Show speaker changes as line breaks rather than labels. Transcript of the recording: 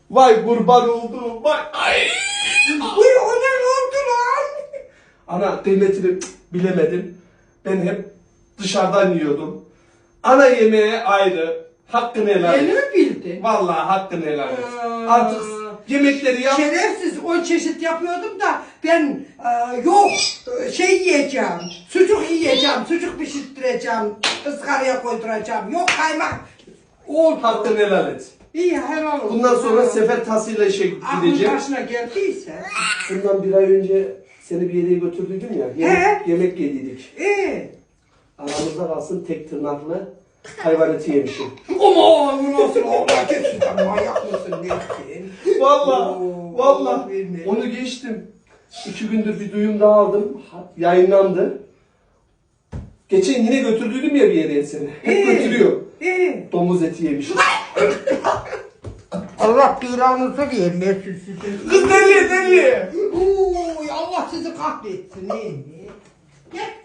Vay kurban olduğum vay. Ay.
Uy o ne oldu lan?
Ana kıymetini bilemedim. Ben hep dışarıdan yiyordum. Ana yemeğe ayrı. Hakkını helal
Yeni
et.
mi bildin?
Vallahi hakkını helal et. Artık yemekleri yap.
Şerefsiz 10 çeşit yapıyordum da ben yok şey yiyeceğim, sucuk yiyeceğim, sucuk pişirttireceğim, ızgaraya koyduracağım, yok kaymak. Oldu.
Hakkını helal et.
İyi helal olsun.
Bundan sonra sefer tasıyla işe
Aklın
gideceğim.
başına geldiyse.
Bundan bir ay önce seni bir yere götürdüydüm ya. Yemek yedik. Aramızda kalsın tek tırnaklı hayvan eti yemişim.
Aman bu nasıl Allah geçsin manyak mısın nesin?
Valla onu geçtim. 2 gündür bir duyum daha aldım. Yayınlandı. Geçen yine götürdüydüm ya bir yere seni. Hep götürüyor. Domuz eti yemişim.
Allah belanızı vermesin sizin.
Kız deli deli.
Allah sizi kahretsin. Gel.